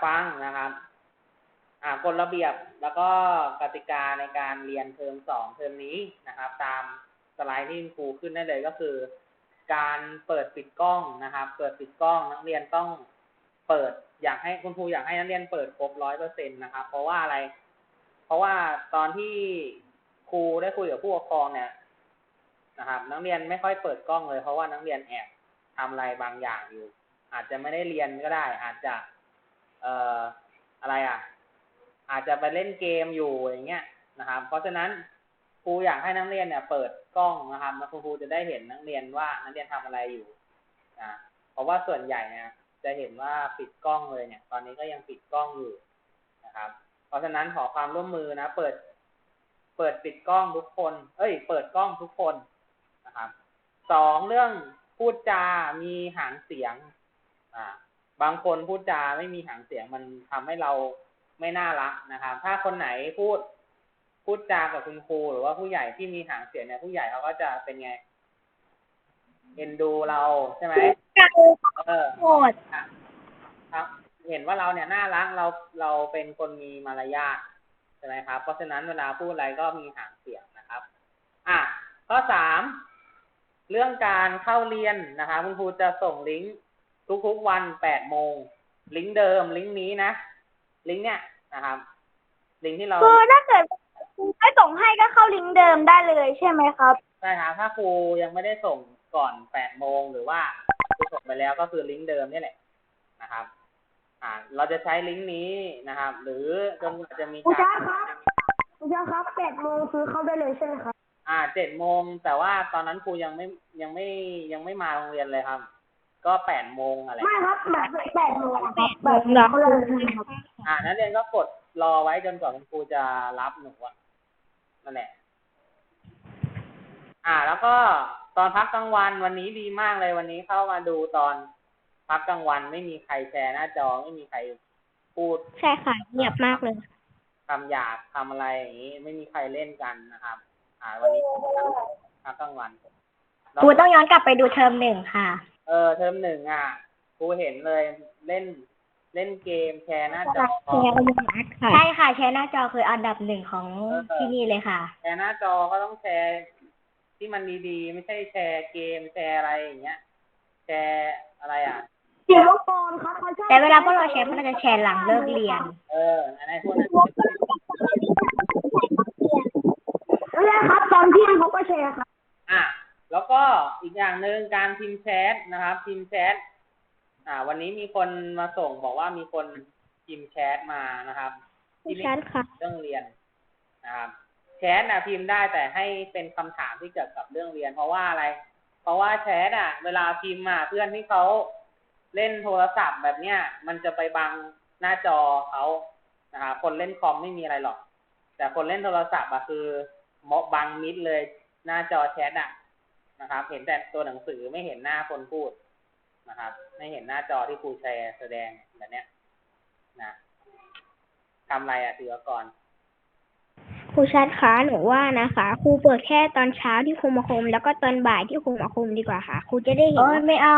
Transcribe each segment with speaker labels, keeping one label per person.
Speaker 1: ฟังนะครับกฎระเบียบแล้วก็กติกาในการเรียนเทอม2เทอมนี้นะครับตามสไลด์ที่ครูขึ้นได้เลยก็คือการเปิดปิดกล้องนะครับเปิดปิดกล้องนักเรียนต้องเปิดอยากให้คุณครูอยากให้นักเรียนเปิดครบ 100% นะครับเพราะว่าอะไรเพราะว่าตอนที่ครูได้คุยกับผู้ปกครองเนี่ยนะครับนักเรียนไม่ค่อยเปิดกล้องเลยเพราะว่านักเรียนแอบทำอะไรบางอย่างอยู่อาจจะไม่ได้เรียนก็ได้อาจจะอะไรอาจจะไปเล่นเกมอยู่อย่างเงี้ยนะครับเพราะฉะนั้นครูอยากให้นักเรียนเนี่ยเปิดกล้องนะครับแล้วครูจะได้เห็นนักเรียนว่านักเรียนทำอะไรอยู่เพราะว่าส่วนใหญ่เนี่ยจะเห็นว่าปิดกล้องเลยเนี่ยตอนนี้ก็ยังปิดกล้องอยู่นะครับเพราะฉะนั้นขอความร่วมมือนะเปิดปิดกล้องทุกคนเปิดกล้องทุกคนนะครับ2เรื่องพูดจามีหางเสียงบางคนพูดจาไม่มีหางเสียงมันทำให้เราไม่น่ารักนะครับถ้าคนไหนพูดจากับคุณครูหรือว่าผู้ใหญ่ที่มีหางเสียงเนี่ยผู้ใหญ่เขาก็จะเป็นไงเอ็นดูเราใช่ไหม
Speaker 2: โหด
Speaker 1: ครับเห็นว่าเราเนี่ยน่ารักเราเป็นคนมีมารยาทใช่ไหมครับเพราะฉะนั้นเวลาพูดอะไรก็มีหางเสียงนะครับข้อ3เรื่องการเข้าเรียนนะครับคุณครูจะส่งลิงก์ทุกๆวัน8 โมงลิงก์เดิมลิงก์นี้นะลิงก์เนี่ยนะครับลิงก์ที่เรา
Speaker 2: คือถ้าเกิดไม่ส่งให้ก็เข้าลิงก์เดิมได้เลยใช่ไหมครับ
Speaker 1: ใช่ครับถ้าครูยังไม่ได้ส่งก่อน8 โมงหรือว่าครูส่งไปแล้วก็คือลิงก์เดิมนี่แหละนะครับเราจะใช้ลิงก์นี้นะครับหรือจนกว่าจะมีการ
Speaker 2: ครูครับ8 โมงคือเข้าได้เลยใช่ไหมครับ
Speaker 1: 7 โมงแต่ว่าตอนนั้นครูยังไม่มาโรงเรียนเลยครับก็8 โมงอะไร
Speaker 2: ไม่ครับแบบ8 โมงแบบเขาเลยครับ
Speaker 1: นักเรียนก็กดรอไว้จนกว่าคุณครูจะรับหนูนั่นแหละแล้วก็ตอนพักกลางวันวันนี้ดีมากเลยวันนี้เข้ามาดูตอนพักกลางวันไม่มีใครแชร์หน้าจอไม่มีใครพูด
Speaker 2: ใช่ค่ะเงียบมากเลย
Speaker 1: คำหยาบทำอะไรอย่างนี้ไม่มีใครเล่นกันนะครับวันนี้พักกลางวัน
Speaker 2: ครูต้องย้อนกลับไปดูเทอม1ค่ะ
Speaker 1: เทอม1ครูเห็นเลยเล่นเกมแชร์หน้าจอ
Speaker 2: ใช่ค่ะแชร์หน้าจอคืออันดับ1ของที่นี่เลยค่ะ
Speaker 1: แชร์หน้าจอก็ต้องแชร์ที่มันดีๆไม่ใช่แชร์เกมแชร์อะไรอย่างเงี้ยแชร์อะไร
Speaker 2: เสียงรบกวนครับแต่เวลาพวกเราแชร์พวกเราจะแชร์หลังเลิกเรียน
Speaker 1: อันนี้พวกนั้น
Speaker 2: ครับตอนเที่ยงเขาก็แชร์ครับ
Speaker 1: แล้วก็อีกอย่างหนึ่งการพิมพ์แชทนะครับพิมพ์แชทวันนี้มีคนมาส่งบอกว่ามีคนพิมพ์แชทมานะครับ
Speaker 2: ที่เ
Speaker 1: รื่องเรียนนะครับแชทพิมพ์ได้แต่ให้เป็นคำถามที่เกี่ยวกับเรื่องเรียนเพราะว่าอะไรเพราะว่าแชทเวลาพิมพ์เพื่อนที่เขาเล่นโทรศัพท์แบบเนี้ยมันจะไปบังหน้าจอเขานะครับคนเล่นคอมไม่มีอะไรหรอกแต่คนเล่นโทรศัพท์คือบังมิดเลยหน้าจอแชทนะครับเห็นแต่ตัวหนังสือไม่เห็นหน้าคนพูดนะครับไม่เห็นหน้าจอที่ครูแชร์แสดงแบบเนี้ยนะทำอะไรศิวกร
Speaker 2: ครูชัดคะหนูว่านะคะครูเปิดแค่ตอนเช้าที่ครูมาคุมแล้วก็ตอนบ่ายที่ครูมาคุมดีกว่าค่ะครูจะได้เห็นไม่เอา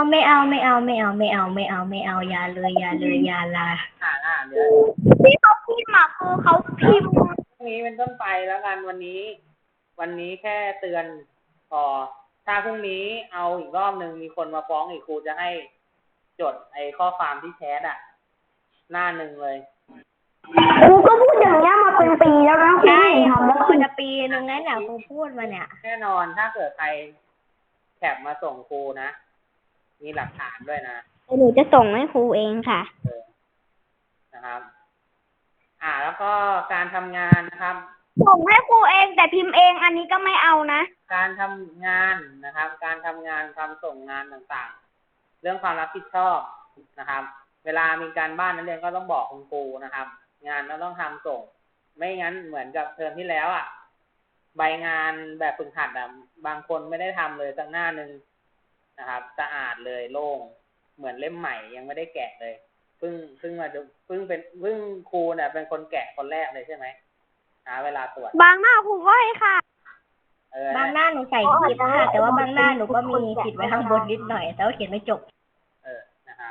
Speaker 2: อย่าเลยอย่าลา
Speaker 1: เดี๋ยว
Speaker 2: ที่เขาพิมพ์คือเขาพิมพ์
Speaker 1: นี้เป็นต้นไปแล้วกันวันนี้แค่เตือนพอถ้าพรุ่งนี้เอาอีกรอบนึงมีคนมาฟ้องอีกครูจะให้จดข้อความที่แชทหน้า1เลย
Speaker 2: ครูก็พูดอย่างนี้มาเป็นปีแล้วนะใช่ทำแล้วคือจะปีนึงแล้วครูพูดมาเนี่ย
Speaker 1: แน่นอนถ้าเกิดใครแคปมาส่งครูนะมีหลักฐานด้วยนะ
Speaker 2: หนูจะส่งให้ครูเองค่ะ
Speaker 1: นะครับแล้วก็การทำงานนะครับ
Speaker 2: ส่งให้ครูเองแต่พิมพ์เองอันนี้ก็ไม่เอานะ
Speaker 1: การทำงานนะครับการทำงานทำส่งงานต่างๆเรื่องความรับผิดชอบนะครับเวลามีการบ้านนักเรียนก็ต้องบอกคุณครูนะครับงานเราต้องทำส่งไม่งั้นเหมือนกับเทอมที่แล้วใบงานแบบฝึกหัดบางคนไม่ได้ทำเลยสักหน้านึงนะครับสะอาดเลยโล่งเหมือนเล่มใหม่ยังไม่ได้แกะเลยเพิ่งมาดูเพิ่งครูเนี่ยเป็นคนแกะคนแรกเลยใช่ไหมเวลาตรวจ
Speaker 2: บางหน้าครูก็ให้ค่ะบางหน้าหนูใส่ผิดค่ะแต่ว่าบางหน้าหนูก็มีผิดไว้ข้างบนนิดหน่อยแต่ว่าเขียนไม่จบ
Speaker 1: นะครับ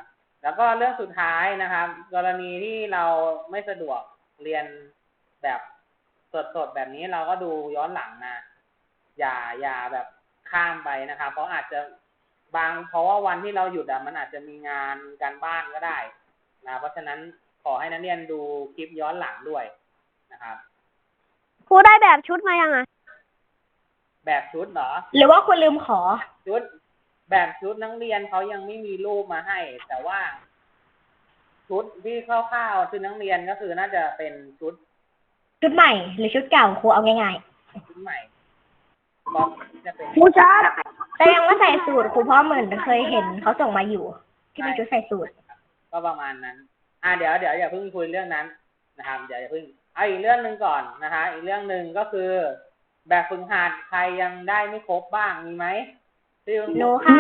Speaker 1: แล้วก็เรื่องสุดท้ายนะครับ กรณีที่เราไม่สะดวกเรียนแบบสดๆแบบนี้เราก็ดูย้อนหลังนะอย่าแบบข้ามไปนะครับ เพราะอาจจะเพราะว่าวันที่เราหยุดมันอาจจะมีงานการบ้านก็ได้นะเพราะฉะนั้นขอให้นักเรียนดูคลิปย้อนหลังด้วยนะครับ
Speaker 2: ครูได้แบบชุดมายังอ่ะ
Speaker 1: แบบชุดเหรอ
Speaker 2: หรือว่าคุณลืมขอ
Speaker 1: ชุดแบบชุดนักเรียนเขายังไม่มีรูปมาให้ แต่ว่าชุดที่คร่าวๆชุดนักเรียนก็คือน่าจะเป็นชุด
Speaker 2: ใหม่หรือชุดเก่าครูเอาง่าย
Speaker 1: ๆชุดใหม่ก็จะเป็น
Speaker 2: ครูจ้าแต่ยังไม่ใส่สูตรครูเพราะเหมือนเคยเห็นเขาส่งมาอยู่ที่เป็นชุดใส่สูตร
Speaker 1: ก็ประมาณนั้นเดี๋ยวอย่าเพิ่งคุยเรื่องนั้นนะครับเดี๋ยวอย่าเพิ่งอีกเรื่องนึงก่อนนะคะอีกเรื่องนึงก็คือแบบฝึกหัดใครยังได้ไม่ครบบ้างมีไหม
Speaker 2: หนูค่ะ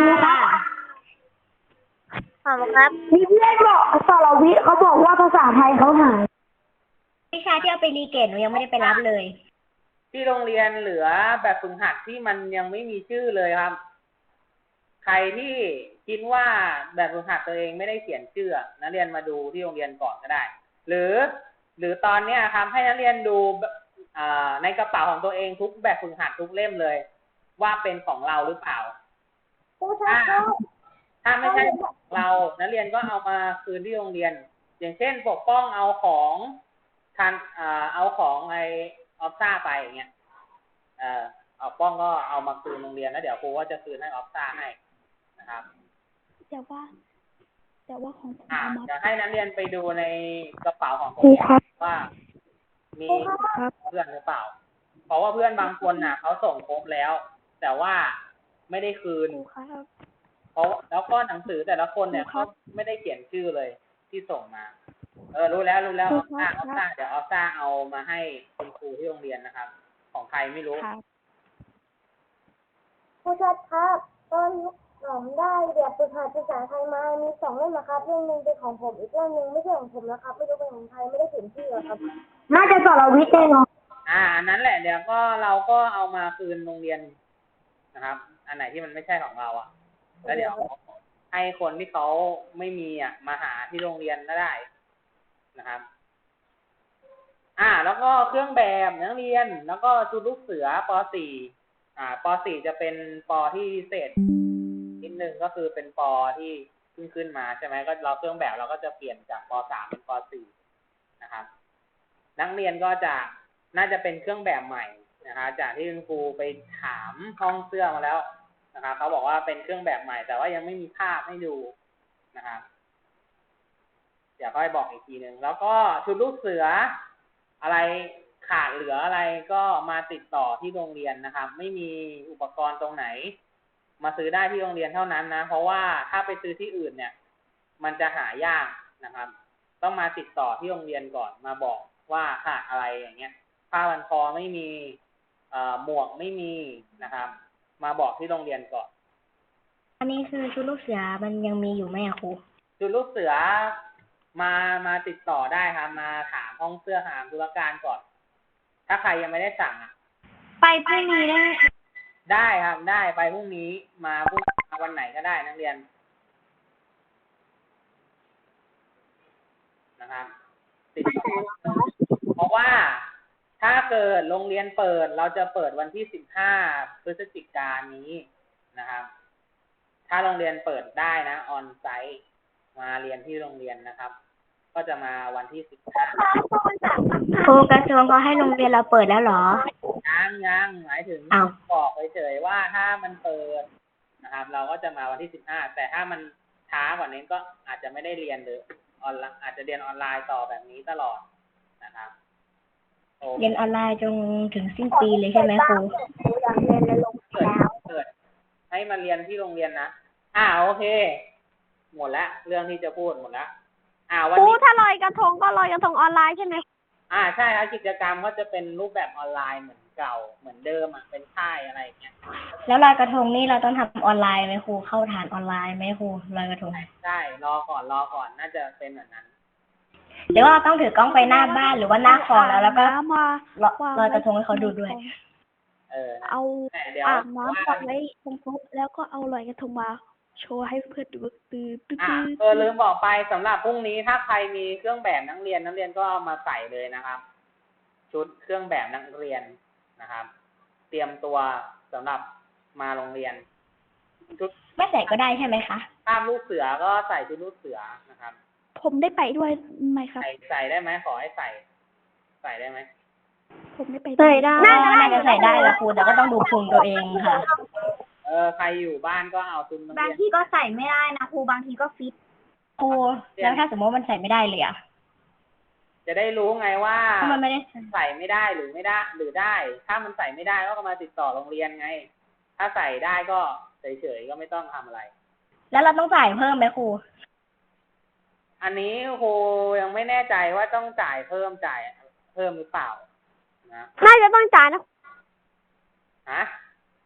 Speaker 2: ขอบคุณครับมีเพื่อนบอกสรวิทย์เขาบอกว่าภาษาไทยเขาหายวิชาที่เอาไปรีเกตหนูยังไม่ได้ไปรับเลย
Speaker 1: ที่โรงเรียนเหลือแบบฝึกหัดที่มันยังไม่มีชื่อเลยครับใครที่คิดว่าแบบฝึกหัดตัวเองไม่ได้เขียนชื่อนักเรียนมาดูที่โรงเรียนก่อนก็ได้หรือตอนเนี้ยครับให้นักเรียนดูในกระเป๋าของตัวเองทุกแบบฝึกหัดทุกเล่มเลยว่าเป็นของเราหรือเปล่าถ้าไม่ใช่เรานักเรียนก็เอามาคืนที่โรงเรียนอย่างเช่นปกป้องเอาของเอาของไอออฟซ่าไปอย่างเงี้ยเอาป้องก็เอามาคืนโรงเรียนแล้วเดี๋ยวครูก็จะคืนให้ออฟซ่าให้นะครับ
Speaker 2: แต่ว่าของผม
Speaker 1: จะให้นักเรียนไปดูในกระเป๋าของตัวเองว่ามีเพื่อนหรือเปล่าเพราะว่าเพื่อนบางคนเขาส่งครบแล้วแต่ว่าไม่ได้คืนเพราะแล้วก็หนังสือแต่ละคนเนี่ยเขาไม่ได้เขียนชื่อเลยที่ส่งมารู้แล้วออฟซ่าเดี๋ยวออฟซ่าเอามาให้คุณครูที่โรงเรียนนะครับของใครไม่รู้
Speaker 2: ครูชัดครับตอนผมได้แบบฝึกหัดภาษาไทยมามี2 เล่มนะครับเล่มนึงเป็นของผมอีกเล่มนึงไม่ใช่ของผมนะครับไม่รู้เป็นของใครไม่ได้เขียนชื่อครับน่าจะสรวิทย์แน่นอน
Speaker 1: อันนั้นแหละเดี๋ยวก็เราก็เอามาคืนโรงเรียนนะครับอันไหนที่มันไม่ใช่ของเราแล้วเดี๋ยวให้คนที่เขาไม่มีมาหาที่โรงเรียนก็ได้นะครับแล้วก็เครื่องแบบนักเรียนแล้วก็ชุดลูกเสือป .4 ป .4 จะเป็นปที่พิเศษนิดนึงก็คือเป็นปที่ขึ้นมาใช่ไหมก็เราเครื่องแบบเราก็จะเปลี่ยนจากป .3 เป็นป .4 นะครับนักเรียนก็จะน่าจะเป็นเครื่องแบบใหม่นะครับจากที่คุณครูไปถามห้องเสื้อมาแล้วนะครับเขาบอกว่าเป็นเครื่องแบบใหม่แต่ว่ายังไม่มีภาพให้ดูนะครับเดี๋ยวค่อยบอกอีกทีนึงแล้วก็ชุดลูกเสืออะไรขาดเหลืออะไรก็มาติดต่อที่โรงเรียนนะครับไม่มีอุปกรณ์ตรงไหนมาซื้อได้ที่โรงเรียนเท่านั้นนะเพราะว่าถ้าไปซื้อที่อื่นเนี่ยมันจะหายากนะครับต้องมาติดต่อที่โรงเรียนก่อนมาบอกว่าขาดอะไรอย่างเงี้ยผ้าพันคอไม่มีหมวกไม่มีนะครับมาบอกที่โรงเรียนก่อน
Speaker 2: อันนี้คือชุดลูกเสือมันยังมีอยู่ไหมครู
Speaker 1: ชุดลูกเสือมาติดต่อได้ครับมาถามห้องเสื้อถามธุรการก่อนถ้าใครยังไม่ได้สั่ง
Speaker 2: ไปพรุ่งนี้
Speaker 1: ได้ครับได้ไปพรุ่งนี้มาวันไหนก็ได้นักเรียนนะครับติดต่อเพราะว่าถ้าเกิดโรงเรียนเปิดเราจะเปิดวันที่15 พฤศจิกายนนี้นะครับถ้าโรงเรียนเปิดได้นะออนไซต์มาเรียนที่โรงเรียนนะครับก็จะมาวันที่15
Speaker 2: ครูกระทรวงเขาให้โรงเรียนเราเปิดแล้วเหรอ
Speaker 1: ยังหมายถึงบอกเฉยๆว่าถ้ามันเปิดนะครับเราก็จะมาวันที่15แต่ถ้ามันช้ากว่านี้ก็อาจจะไม่ได้เรียนหรืออาจจะเรียนออนไลน์ต่อแบบนี้ตลอดนะครับ
Speaker 2: เรียนออนไลน์จนถึงสิ้นปีเลยใช่ไหมครูอยากเรียนในโรงเรียนแล้ว
Speaker 1: เกิดให้มาเรียนที่โรงเรียนนะโอเคหมดแล้วเรื่องที่จะพูดหมดแล้ว
Speaker 2: วันนี้ถ้าลอยกระทงก็ลอยกระทงออนไลน์ใช่ไหม
Speaker 1: ใช่ครับกิจกรรมก็จะเป็นรูปแบบออนไลน์เหมือนเก่าเหมือนเดิมเป็นค่ายอะไรอย่างเงี้ย
Speaker 2: แล้วลอยกระทงนี่เราต้องทำออนไลน์ไหมครูเข้าฐานออนไลน์ไหมครูลอยกระทง
Speaker 1: ใช่รอก่อนน่าจะเป็นแบบนั้น
Speaker 2: หรือว่าต้องถือกล้องไปหน้าบ้านหรือว่าหน้าคอแล้วก็ลอยกระทงให้เขาดูด้วย
Speaker 1: เอา
Speaker 2: อาบน้ำก่อนไว้ตรงโต๊ะแล้วก็เอาลอยกระทงมา
Speaker 3: โชว์ให้เพื่อนดูตื้อตื้อ
Speaker 1: ลืมบอกไปสำหรับพรุ่งนี้ถ้าใครมีเครื่องแบบนักเรียนก็เอามาใส่เลยนะครับ ชุดเครื่องแบบนักเรียนนะครับ เตรียมตัวสำหรับมาโรงเรียนชุด
Speaker 4: ไม่ใส่ก็ได้ใช่ไหมคะ
Speaker 1: ภาพลูกเสือก็ใส่ชุดลูกเสือนะครับ
Speaker 3: ผมได้ไปด้วยไหมครับ
Speaker 1: ใส่ได้ไหมขอให้ใส่ได้ไหม
Speaker 3: ผมได้ไป
Speaker 2: ใส่ได้
Speaker 4: น่าจะใส่ได้ละครูแต่ก็ต้องดูพุงตัวเองค่ะ
Speaker 1: ใครอยู่บ้านก็เอาชุดนัก
Speaker 2: บาง
Speaker 1: เรียน
Speaker 2: ทีก็ใส่ไม่ได้นะครูบางทีก็ฟิต
Speaker 4: ครูแล้วถ้าสมมติว่ามันใส่ไม่ได้เลยอ่ะ
Speaker 1: จะได้รู้ไงว่า
Speaker 4: เพราะมันไม่ได้
Speaker 1: ใส่ไม่ได้หรือไม่ได้หรือได้ ถ้ามันใส่ไม่ได้ก็มาติดต่อโรงเรียนไง ถ้าใส่ได้ก็เฉยๆก็ไม่ต้องทำอะไร
Speaker 4: แล้วเราต้องจ่ายเพิ่มไหมครู
Speaker 1: อันนี้ครูยังไม่แน่ใจว่าต้องจ่ายเพิ่มหรือเปล่านะ
Speaker 2: น่าจะต้องจ่ายนะ
Speaker 1: ฮะ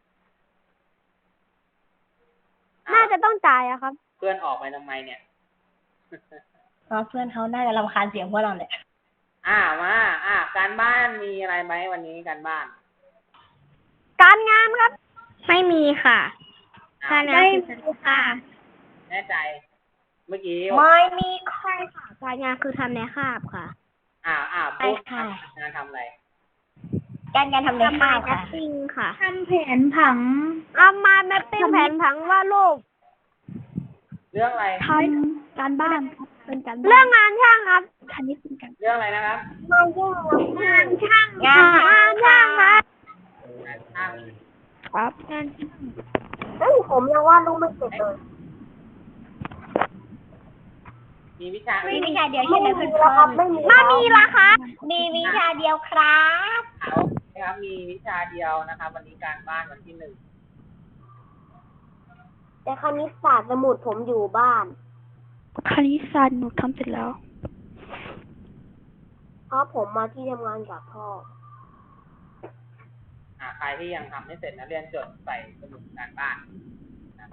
Speaker 2: น่าจะต้องจ่ายอะครับ
Speaker 1: เพื่อนออกไปทำไมเนี่ย
Speaker 4: เพื่อนเขาน่าจะรำคาญเสียงพวกเราเนี่ย
Speaker 1: มาการบ้านมีอะไรไหมวันนี้การบ้าน
Speaker 2: การงานครับ
Speaker 3: ไม่มีค่ะ
Speaker 1: อ่ะ
Speaker 2: ไม่มีค่ะ
Speaker 1: แน่ใจ เมื่อกี้
Speaker 4: ไม่มี
Speaker 2: ใช่ค่ะการงานคือทำในคาบค่ะ
Speaker 1: พูด
Speaker 4: ใช่ค่ะ
Speaker 1: งานทำอะไร
Speaker 4: การทำในข้าวค่ะ
Speaker 2: ปิ้งค่ะ
Speaker 3: ทำแผนผัง
Speaker 2: เอามาแมปปิ้งแผนผังว่าดรูป
Speaker 1: เรื่องอะไร
Speaker 3: ทำการบ้านครับเป็นการบ้าน
Speaker 2: เรื่องงานช่างครับ
Speaker 3: คณิตเป็นการ
Speaker 1: เรื่องอะไรนะครับ
Speaker 2: งานช่าง
Speaker 4: งานช่าง
Speaker 2: งานช่างครับ
Speaker 1: งานช่าง
Speaker 3: ครับงาน
Speaker 2: เฮ้ยผมยังวาดรูปไม่เสร็จเลย
Speaker 1: มีวิชา
Speaker 4: มีวิชาเดียวใช่ไหมเพื่อน
Speaker 2: ไม่มีละครับ
Speaker 4: มีวิชาเดียวครับ
Speaker 1: ครับมีวิชาเดียวนะครับ วันนี้การบ้านวันที่ 1
Speaker 2: แต่คณิตศาสตร์สมุดผมอยู่บ้าน
Speaker 3: คณิตศาสตร์หนูทำเสร็จแล้ว
Speaker 2: เพราะผมมาที่ทำงานกับพ่อ
Speaker 1: ใครที่ยังทำไม่เสร็จนะเรียนจดใส่สมุดการบ้านนะ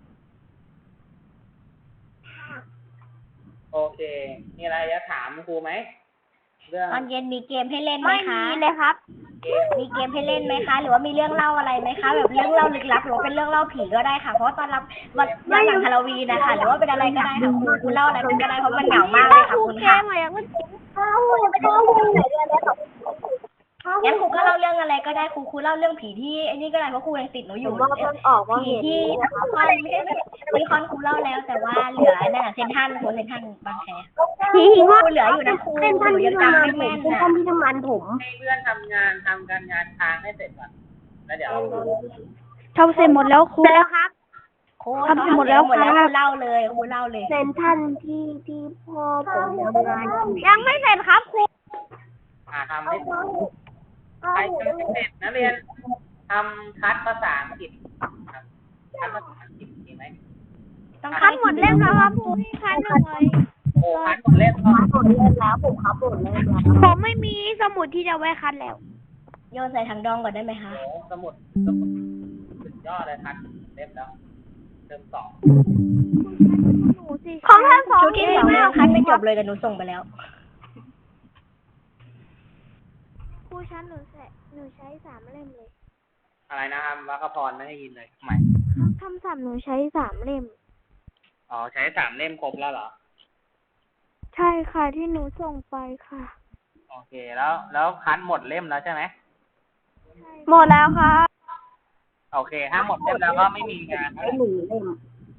Speaker 1: โอเค มีอะไรจะถามครูไหมเรื่อง
Speaker 4: ตอนเย็นมีเกมให้เล่นไหม
Speaker 2: ไม่
Speaker 4: คะ
Speaker 2: มีเลยครับ
Speaker 1: เกม
Speaker 4: มีเกมให้เล่นไหมคะ หรือว่ามีเรื่องเล่าอะไรไหมคะ แบบเรื่องเล่าลึกลับหรือว่าเป็นเรื่องเล่าผีก็ได้ค่ะ เพราะว่าตอนรับวันหลังฮาโลวีนนะคะ หรือว่าเป็นอะไรก็ได้ค่ะครูเล่าอะไรก็ได้เพราะมันเหงามากเลยค่ะคุณค่ะ งั้นครูก็เล่าเรื่องอะไรก็ได้ครูเล่าเรื่องผีที่ไอ้นี่ก็ได้เพราะครูยังติดหนูอยู่
Speaker 2: ผมว่าเพิ่งออกว่า
Speaker 4: ผี
Speaker 2: เห็น
Speaker 4: ที่คอนไม่ใช่มีคอนครูเล่าแล้ว แต่ว่าเหลือนั่นน่ะเซนทรัลบางแค
Speaker 2: ผีหิง
Speaker 4: ค
Speaker 2: ว่า
Speaker 4: รูเหลืออยู่นะครู
Speaker 2: เป็นท่าน
Speaker 4: หนู
Speaker 2: ที่
Speaker 4: ยัง
Speaker 2: ทำ
Speaker 4: จำ
Speaker 2: งาน
Speaker 4: ไม่
Speaker 2: ผม
Speaker 4: แม่น
Speaker 2: เป็น
Speaker 4: นะ
Speaker 2: ท่านที่ทำงานผม
Speaker 1: ให้เพื่อนทำการงานค้างให้เสร็จก่อนแล้วเดี๋ยว
Speaker 3: ทำเสร็จหมดแล้วครู
Speaker 2: เสร็จแล้วครับ
Speaker 4: ครูทำหมดแล้วครูเล่าเลยครูเล่าเลย
Speaker 2: เป็นท่านที่พ่อผมทำงานยังไม่เสร็จครับครู
Speaker 1: ทำให้เสร็จใครทำไม่เสร็จนักเรียนทำคัดภาษาอังกฤษครับคัดภาษาอังกฤษดีไหม
Speaker 4: ต้อง
Speaker 2: คัดหมดเล่มแล้วครับครูคัดหน่อย
Speaker 1: โอ้คัดหมดเล่มแล้ว
Speaker 2: หมดเล่มแล้วผมคัดหมดเล่มแล้วผมไม่มีสมุดที่จะไว้คัดแล้ว
Speaker 4: โยนใส่ถังดองก่อนได้ไหมคะ
Speaker 1: โอ้สมุดสุดยอดเลยคัดเล่มแล้วเล่ม 2
Speaker 2: ของท่านสอง
Speaker 4: ชุดที่สองยังคัดไม่จบเลยแต่หนูส่งไปแล้ว
Speaker 2: ครูชั้นหนูใช้3 เล่มเลย
Speaker 1: อะไรนะครับวัคพรไม่ได้ยินเลยใหม่
Speaker 2: คำศัพท์หนูใช้3 เล่ม
Speaker 1: อ๋อใช้3 เล่มครบแล้วเหรอ
Speaker 2: ใช่ค่ะที่หนูส่งไปค่ะ
Speaker 1: โอเคแล้วคัดหมดเล่มแล้วใช่ไหม
Speaker 2: หมดแล้วครับ
Speaker 1: โอเคถ้าหมดเล่มแล้วก็ไม่มีงาน
Speaker 2: 1 เล่ม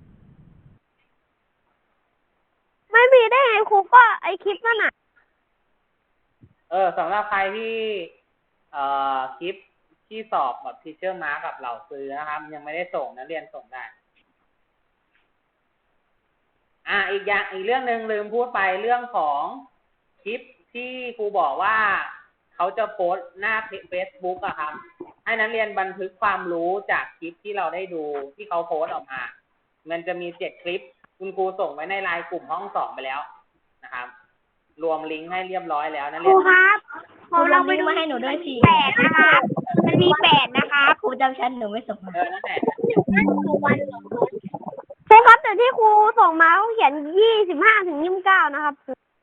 Speaker 2: ไม่มีได้ไงครูก็ไอคลิปนั่นน่ะ
Speaker 1: สำหรับใครที่คลิปที่สอบแบบทีเชอร์มาร์กับเหล่าซื้อนะครับ ยังไม่ได้ส่งนักเรียนส่งได้อีกเรื่องหนึ่งลืมพูดไปเรื่องของคลิปที่ครูบอกว่าเขาจะโพสต์หน้าเฟซบุ๊กอะครับให้นักเรียนบันทึกความรู้จากคลิปที่เราได้ดูที่เขาโพสต์ออกมามันจะมี7 คลิปคุณครูส่งไว้ในไลน์กลุ่มห้อง 2ไปแล้วนะครับรวมลิงก์ให้เรียบร้อยแล้วนัก
Speaker 2: ค
Speaker 1: เรี
Speaker 2: รู
Speaker 1: ยน
Speaker 2: ครับ
Speaker 4: ครูลองมาให้หนูด้วยสิ
Speaker 2: 8 นะครับ มันมี8นะครับ
Speaker 4: ครูจำชั้นหนูไม่ส่งมา
Speaker 1: นั่นแหละ
Speaker 2: ใช่ครับแต่ที่ครูส่งมาเขาเขียน25 ถึง 29นะครับ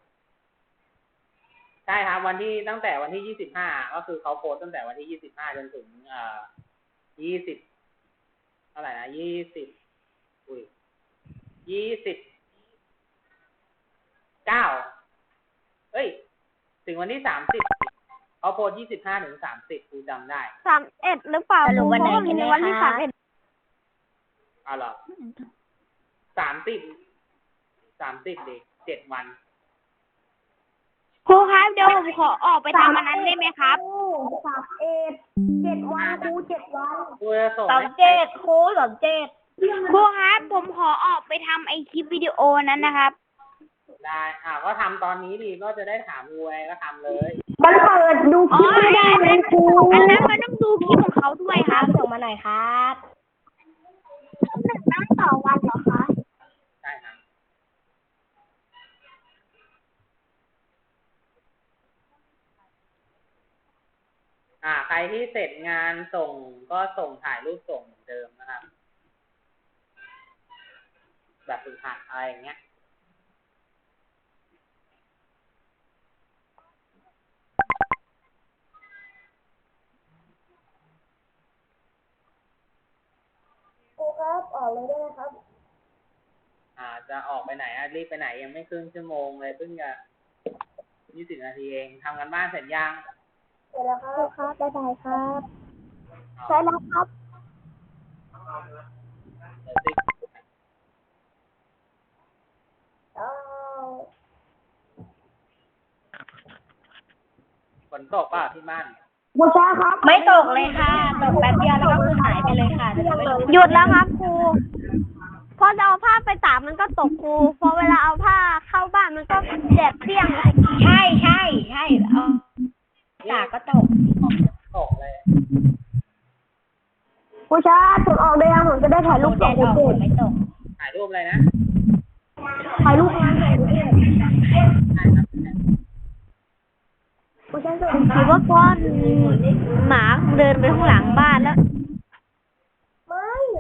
Speaker 1: ใช่ครับตั้งแต่วันที่25ก็คือเขาโพสต์ตั้งแต่วันที่25จนถึง20เท่าไหร่นะ20 29เอ้ย ถึงวันที่30เขาโพส25 ถึง 30ครูจำได้
Speaker 2: 31หรือเปล่า
Speaker 4: สรุปวันไหน
Speaker 2: ผม
Speaker 4: กันแน่
Speaker 2: วันที่
Speaker 4: คะ
Speaker 2: 31
Speaker 1: เอาเหรอ30เด็ก7 วัน
Speaker 3: ครูครับเดี๋ยวผมขอออกไปทำอันนั้นได้ไหมครับ
Speaker 2: 7 วันครู7 วัน
Speaker 1: ครูจะส่ง
Speaker 4: สอ
Speaker 1: ให้
Speaker 4: งเจ็ดครูสองเจ็ด
Speaker 3: ครูครับผมขอออกไปทำไอคลิปวิดีโอนั้นนะครับ
Speaker 1: ได้ก็ทำตอนนี้ดีก็จะได้ถามครูไงก็ทำเลย
Speaker 2: มันเปิดดูคลิปไม่ได้เลยครู
Speaker 3: อันนั้นมันต้องดูคลิปของเขาด้วยครับ
Speaker 4: ส่งมาหน่อยครับ
Speaker 2: ตั้งต่อวันเหรอคะ
Speaker 1: ใช่ครับใครที่เสร็จงานส่งก็ส่งถ่ายรูปส่งเหมือนเดิมนะครับ แบบฝึกหัดอะไรอย่างเงี้ย
Speaker 2: ครูครับออกเลยได้ไหมครับ
Speaker 1: จะออกไปไหนรีบไปไหนยังไม่ครึ่งชั่วโมงเลยเพิ่งจะ20 นาทีเองทำกันบ้านเสร็จยัง
Speaker 2: เสร็จแล้วครับบ๊ายบายครับใช่แล้วครับ
Speaker 1: เดี๋ยวสิ ฝนตกเปล่าที่บ้าน
Speaker 2: บูชาครับ
Speaker 4: ไม่ตกเลยค่ะ ตกแป๊บเดียวแล้วก็คือหายไปเลยค่ะแต่ไม่รู้
Speaker 2: หยุดแล้วครับครูพอจะเอาผ้าไปตากมันก็ตกครูพอเวลาเอาผ้าเข้าบ้านมันก็แดดเปรี้ยง
Speaker 4: ใช่เอาตากก็ตก
Speaker 1: ตกเลย
Speaker 2: บูชาจุดออกได้ยังผมจะได้ถ่ายรูป
Speaker 4: แด
Speaker 2: ส่ง
Speaker 4: ดออก
Speaker 2: ครู
Speaker 4: ฝนไม่ตก
Speaker 1: ถ่ายรูปอะไรนะ
Speaker 2: ถ่ายรูปงานส่งครู
Speaker 1: ใช่ครับ
Speaker 2: บูชาส่งถือว่าก้อนหมาเดินไปข้างหลังบ้านแล้วไม่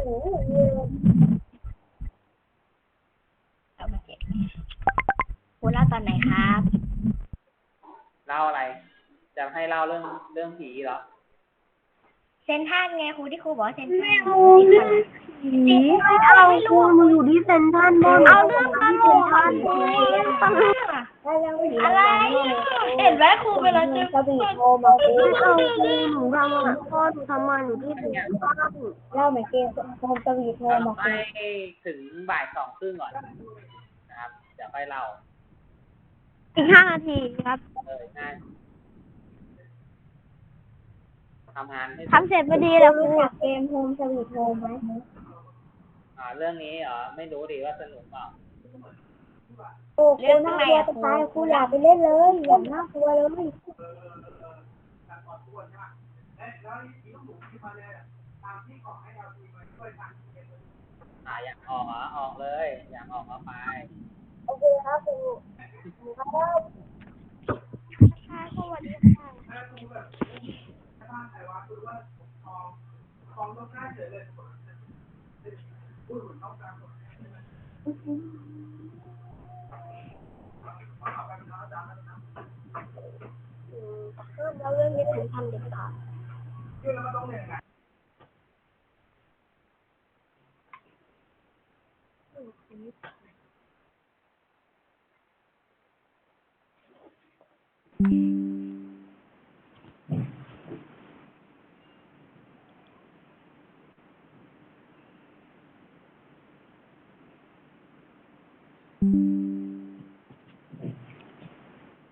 Speaker 4: เอามาเก็บครูเล่าตอนไหนครับ
Speaker 1: เล่าอะไร จะให้เล่าเรื่องผีเหรอ
Speaker 4: เซนทรัลไงครูที่ครูบอกว่าเซนทรัล
Speaker 2: เอาครูมาอยู่ที่เซ็นทรัลบ้างเอาเรื่องตลกอะไร
Speaker 4: เห็นไหมครูเวลาเจอ
Speaker 2: กระบี่โทรมาครูเอาครูหนูทำอ่ะพ่อหนูทำงานอยู่ที่เซ็นทรัลเล่าเหมือนเกมโทรกระบี่โทรมาครู
Speaker 1: ให้ถึงบ่าย 2:30ก่อนนะครับ เดี๋ยวค่อยเล่า
Speaker 3: อีก5 นาทีครับ
Speaker 1: ง่ายทำงานให้
Speaker 3: ทำเสร็จพอดีแล้วครู
Speaker 2: รู้จักเกมโฮมสวีทโฮมไหม
Speaker 1: เรื่องนี้เหรอ ไม่รู้ดิว่าสนุกเปล่า
Speaker 2: โอ้ครูน่ากลัวจะตายครูอย่าไปเล่นเลยอย่าน่ากลัวเลย
Speaker 1: อยากออกเหรอ ออกเลย อยากออกก็ไป
Speaker 2: โอเคครับครูครับ
Speaker 3: สวัสดีค่ะ
Speaker 2: แล้วเรื่องนี้ผมทำเด็ดขาด